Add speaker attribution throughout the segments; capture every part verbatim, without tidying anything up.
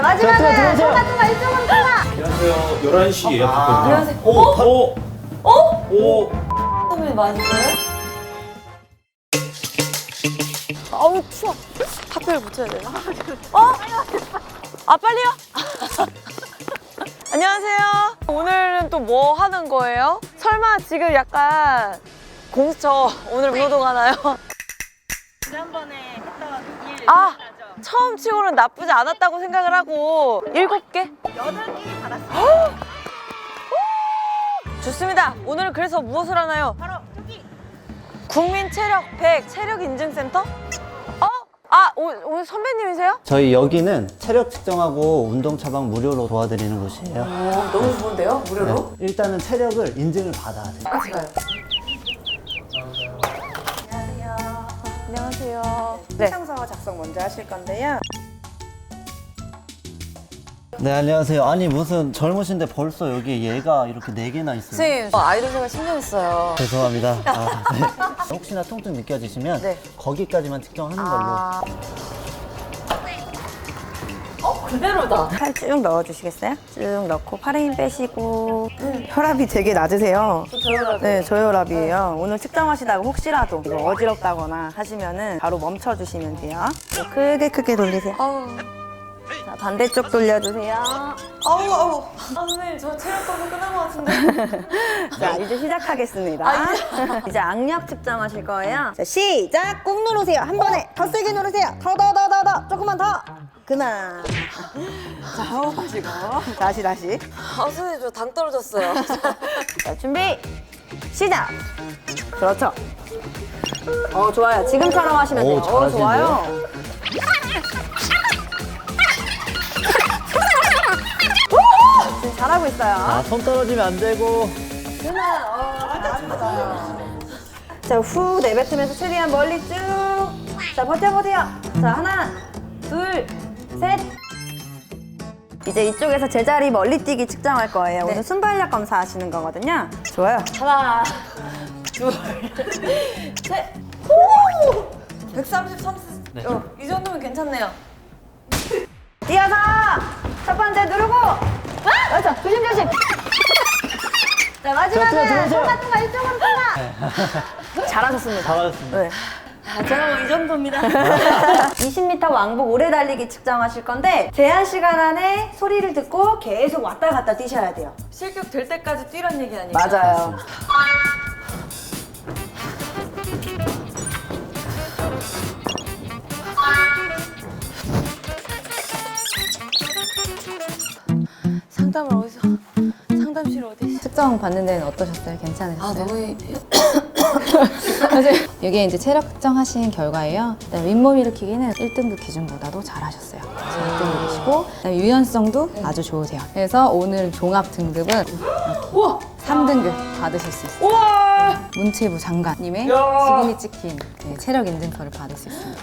Speaker 1: 마지막은 통과 통과 이쪽으로 통과.
Speaker 2: 안녕하세요. 열한 시 예약했거든요.
Speaker 1: 안녕하세요.
Speaker 2: 오, 오,
Speaker 1: 어?
Speaker 2: 오.
Speaker 1: 선배님 맞으세요? 아우 추워. 하필 붙여야 되나? 어? 아 빨리요? 안녕하세요. 오늘은 또 뭐 하는 거예요? 설마 지금 약간 공수처 오늘 운동하나요?
Speaker 3: 지난번에 했던 일
Speaker 1: 아
Speaker 3: 기억나죠?
Speaker 1: 처음 치고는 나쁘지 않았다고 생각을 하고 일곱 개?
Speaker 3: 여덟 개 받았어요.
Speaker 1: 좋습니다. 오늘 그래서 무엇을 하나요?
Speaker 3: 바로 저기
Speaker 1: 국민 체력 백 체력 인증센터? 어? 아 오, 오늘 선배님이세요?
Speaker 4: 저희 여기는 체력 측정하고 운동 처방 무료로 도와드리는 곳이에요.
Speaker 1: 오 너무 좋은데요? 무료로?
Speaker 4: 네, 일단은 체력을 인증을 받아야 돼요.
Speaker 1: 같이 가요. 안녕하세요. 네.
Speaker 3: 신청서 작성 먼저 하실 건데요.
Speaker 4: 네, 안녕하세요. 아니 무슨 젊으신데 벌써 여기 얘가 이렇게 네 개나 있어요.
Speaker 1: 선생님 저 아이돌 생활 십 년 했어요.
Speaker 4: 죄송합니다. 아, 네. 혹시나 통증 느껴지시면
Speaker 1: 네.
Speaker 4: 거기까지만 측정하는 걸로.
Speaker 1: 아... 어 그대로다.
Speaker 3: 팔 쭉 넣어주시겠어요? 쭉 넣고 팔에 힘 빼시고 혈압이 되게 낮으세요.
Speaker 1: 저혈압.
Speaker 3: 네, 저혈압이에요. 오늘 측정하시다가 혹시라도 이거 어지럽다거나 하시면은 바로 멈춰주시면 돼요. 네, 크게 크게 돌리세요.
Speaker 1: 아우
Speaker 3: 자, 반대쪽 돌려주세요.
Speaker 1: 아우 아우. 아 선생님 저 체력 검사 끝난 것 같은데.
Speaker 3: 자, 이제 시작하겠습니다.
Speaker 1: 아,
Speaker 3: 이제 악력 측정하실 거예요. 자, 시작! 꾹 누르세요. 한 번에 더 세게 누르세요. 더, 더, 더, 더, 더. 조금만 더. 그만. 자, 호흡하시고. 다시, 다시.
Speaker 1: 아 선생님 저 당 떨어졌어요.
Speaker 3: 자, 준비. 시작! 그렇죠. 어, 좋아요. 지금처럼 하시면 돼요.
Speaker 4: 오,
Speaker 3: 어,
Speaker 4: 잘하시는데요?
Speaker 3: 좋아요. 지금 잘하고 있어요.
Speaker 4: 아, 손 떨어지면 안 되고.
Speaker 3: 그만. 어, 잘하십니다. 자, 후 내뱉으면서 최대한 멀리 쭉. 자, 버텨, 버텨. 자, 하나, 둘, 셋. 이제 이쪽에서 제자리 멀리 뛰기 측정할 거예요.
Speaker 1: 네.
Speaker 3: 오늘 순발력 검사 하시는 거거든요. 좋아요.
Speaker 1: 하나, 둘, 셋. 오! 백삼십, 삼십.
Speaker 4: 네.
Speaker 1: 어, 이 정도면 괜찮네요.
Speaker 3: 뛰어서 첫 번째 누르고. 그렇죠. 조심, 조심. 자,
Speaker 4: 자,
Speaker 3: 마지막은
Speaker 4: 들어오세요.
Speaker 3: 통과, 통과, 이쪽으로 통과. 잘하셨습니다.
Speaker 4: 잘하셨습니다.
Speaker 3: 네.
Speaker 1: 아, 제가 뭐 이 정도입니다.
Speaker 3: 이십 미터 왕복 오래 달리기 측정하실 건데 제한 시간 안에 소리를 듣고 계속 왔다 갔다 뛰셔야 돼요.
Speaker 1: 실격 될 때까지 뛰란 얘기 아니에요?
Speaker 3: 맞아요.
Speaker 1: 상담을 어디서? 상담실 어디 있어?
Speaker 5: 측정 받는 데는 어떠셨어요? 괜찮으셨어요?
Speaker 1: 아 너무
Speaker 5: 사실 이게 이제 체력 측정하신 결과예요. 그다음에 윗몸 일으키기는 일 등급 기준보다도 잘하셨어요. 그래서 일 등급이시고 그다음에 유연성도 아주 좋으세요. 그래서 오늘 종합 등급은
Speaker 1: 우와!
Speaker 5: 삼 등급 받으실 수 있어요.
Speaker 1: 우와!
Speaker 5: 문체부 장관님의
Speaker 1: 야!
Speaker 5: 지금이 찍힌 네, 체력 인증서를 받을 수 있습니다.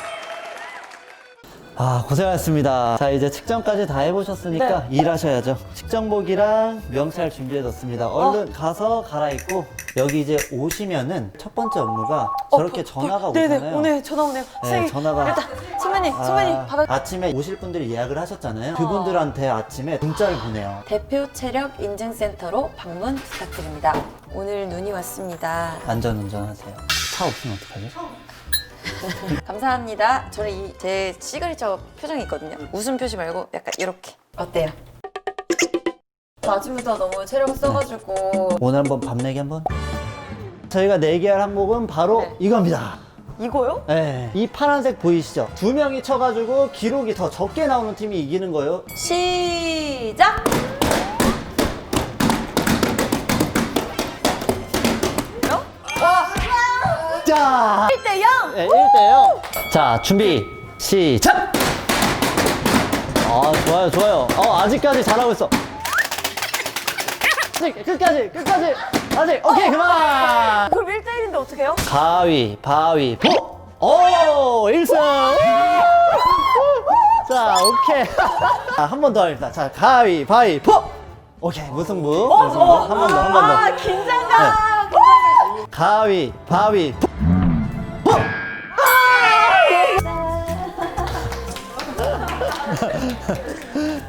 Speaker 4: 아, 고생하셨습니다. 자, 이제 측정까지 다 해보셨으니까 일하셔야죠. 측정복이랑 명찰 준비해뒀습니다. 얼른 가서 갈아입고 여기 이제 오시면은 첫 번째 업무가 저렇게 전화가 오잖아요.
Speaker 1: 네네 오네 전화 오네요. 선생님
Speaker 4: 전화가.
Speaker 1: 일단 선배님 선배님 받아.
Speaker 4: 아침에 오실 분들이 예약을 하셨잖아요. 그분들한테 아침에 문자를 보내요.
Speaker 1: 대표 체력 인증센터로 방문 부탁드립니다. 오늘 눈이 왔습니다.
Speaker 4: 안전운전하세요. 차 없으면 어떡하죠?
Speaker 1: 감사합니다. 저는 이 제 시그니처 표정이 있거든요. 웃음 표시 말고 약간 이렇게. 어때요? 저 아침부터 너무 체력을 써가지고
Speaker 4: 오늘 한번 밤 내기 한번? 저희가 내기할 항목은 바로
Speaker 1: 네.
Speaker 4: 이겁니다.
Speaker 1: 이거요?
Speaker 4: 네. 이 파란색 보이시죠? 두 명이 쳐가지고 기록이 더 적게 나오는 팀이 이기는 거예요.
Speaker 1: 시작!
Speaker 4: 자!
Speaker 1: 일 대 영!
Speaker 4: 네, 일 대 영. 자, 준비, 시작! 아, 좋아요, 좋아요. 어, 아직까지 잘하고 있어. 아직, 끝까지, 끝까지. 아직, 오케이, 그만!
Speaker 1: 그럼 일 대 일인데 어떡해요?
Speaker 4: 가위, 바위, 보! 오, 일 승! 자, 오케이. 자, 한 번 더 합니다. 자, 가위, 바위, 보! 오케이, 무승부. 무승부. 한 번 더, 한 번 더.
Speaker 1: 아 긴장감!
Speaker 4: 가위, 바위, 보! 보!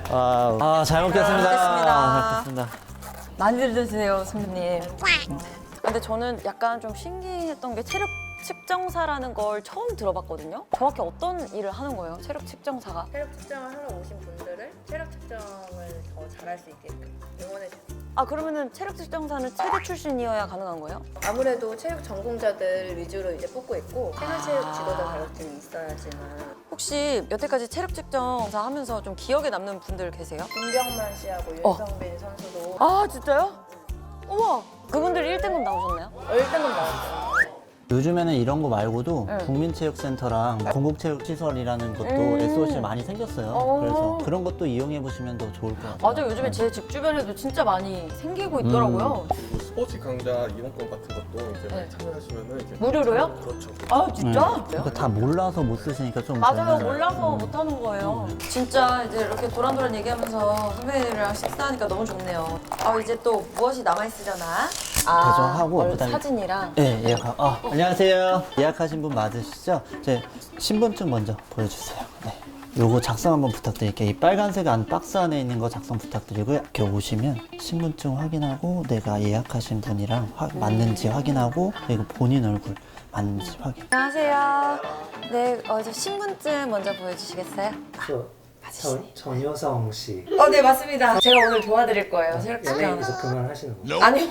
Speaker 4: 아, 아, 잘 먹겠습니다.
Speaker 1: 잘 먹겠습니다.
Speaker 4: 잘 먹겠습니다.
Speaker 1: 많이 드세요, 선배님. 근데 저는 약간 좀 신기했던 게 체력 측정사라는 걸 처음 들어봤거든요. 정확히 어떤 일을 하는 거예요, 체력 측정사가?
Speaker 3: 체력 측정을 하러 오신 분들을 체력 측정을 더 잘할 수 있게끔 응원해 주세요.
Speaker 1: 아, 그러면은 체력 측정사는 체대 출신이어야 가능한 거예요?
Speaker 3: 아무래도 체육 전공자들 위주로 이제 뽑고 있고 생활체육 지도자 자격증이 있어야지만.
Speaker 1: 혹시 여태까지 체력 측정사 하면서 좀 기억에 남는 분들 계세요?
Speaker 3: 김병만 씨하고
Speaker 1: 어.
Speaker 3: 윤성빈 선수도
Speaker 1: 아, 진짜요? 우와! 그분들 일 등급 나오셨나요?
Speaker 3: 일 등급 나왔어요.
Speaker 4: 요즘에는 이런 거 말고도
Speaker 1: 네.
Speaker 4: 국민체육센터랑 건국체육시설이라는 것도
Speaker 1: 음.
Speaker 4: 에스오씨 많이 생겼어요.
Speaker 1: 어.
Speaker 4: 그래서 그런 것도 이용해 보시면 더 좋을 것 같아요.
Speaker 1: 맞아요. 요즘에 제 집 주변에도 진짜 많이 생기고 있더라고요.
Speaker 2: 뭐 스포츠 강좌 이용권 같은 것도 이제 많이 참여하시면은 이제
Speaker 1: 무료로요?
Speaker 2: 그렇죠.
Speaker 1: 아, 진짜?
Speaker 4: 그러니까 다 몰라서 못 쓰시니까 좀
Speaker 1: 맞아요.
Speaker 4: 저는-
Speaker 1: 몰라서 못하는 거예요. 진짜 이제 이렇게 도란도란 얘기하면서 선배님이랑 식사하니까 너무 좋네요. 아, 이제 또 무엇이 남아있으려나? 아,
Speaker 4: 배정하고
Speaker 1: 얼-
Speaker 4: 그다음에-
Speaker 1: 사진이랑.
Speaker 4: 네, 예약. 아, 안녕하세요. 예약하신 분 맞으시죠? 제 신분증 먼저 보여주세요. 네. 요거 작성 한번 부탁드릴게요. 이 빨간색 안 박스 안에 있는 거 작성 부탁드리고요. 이렇게 오시면 신분증 확인하고 내가 예약하신 분이랑 화- 맞는지 확인하고 그리고 본인 얼굴 맞는지 확인.
Speaker 1: 안녕하세요. 네, 어, 저 신분증 먼저 보여주시겠어요?
Speaker 6: 저 전, 전효성 씨
Speaker 1: 어, 네, 맞습니다. 제가 오늘 도와드릴 거예요. 체력 측정.
Speaker 6: 연예인에서 그만하시는 거예요?
Speaker 1: 아니요.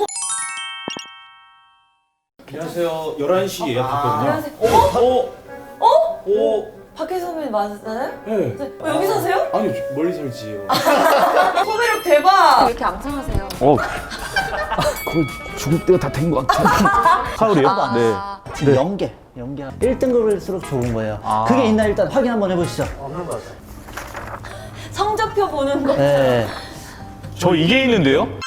Speaker 2: 안녕하세요. 열한 시 예약했거든요.
Speaker 1: 안녕하세요.
Speaker 2: 어? 어? 오.
Speaker 1: 박혜수 선배님 맞았나요?
Speaker 2: 네.
Speaker 1: 어, 여기 사세요?
Speaker 2: 아니, 멀리 살지요.
Speaker 1: 소매력 대박! 왜 이렇게 앙상하세요?
Speaker 7: 어, 거의 죽을 때가 다 된 것 같아요. 하울이요? 네.
Speaker 4: 지금 연계, 연계. 일 등급일수록 좋은 거예요.
Speaker 7: 아.
Speaker 4: 그게 있나 일단 확인 한번 해보시죠.
Speaker 6: 없는 거죠.
Speaker 1: 성적표 보는 거.
Speaker 4: 네.
Speaker 7: 저 이게 있는데요?